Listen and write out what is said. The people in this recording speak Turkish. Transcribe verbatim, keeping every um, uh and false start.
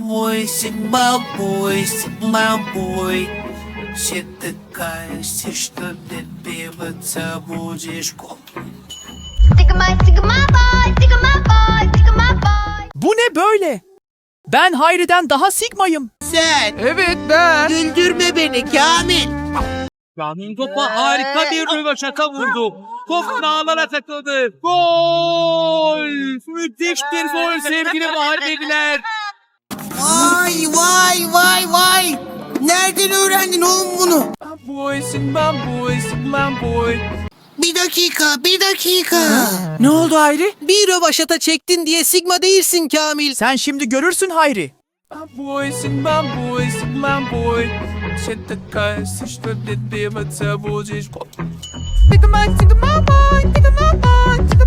boy, Sigma boy, Sigma boy. Считыкайся, что добиваться будешь. Sigma, Sigma boy, Sigma boy, Sigma boy. Bu ne böyle? Ben Hayri'den daha Sigma'yım. Sen Evet ben. güldürme beni Kamil. Kamil topa harika bir röveşata vurdu. Top ağlara takıldı. Gol! Müthiş bir gol sevgili Mahalleliler. Vay vay vay vay. Nereden öğrendin oğlum bunu? Boy, Sigma boy, Sigma boy. Bir dakika, bir dakika. Ne oldu Hayri? Bir rövaşata çektin diye Sigma değilsin Kamil. Sen şimdi görürsün Hayri. Boy, Sigma boy, Sigma boy. Считыкайся, что добиваться будешь. Sigma, Sigma boy, Sigma boy.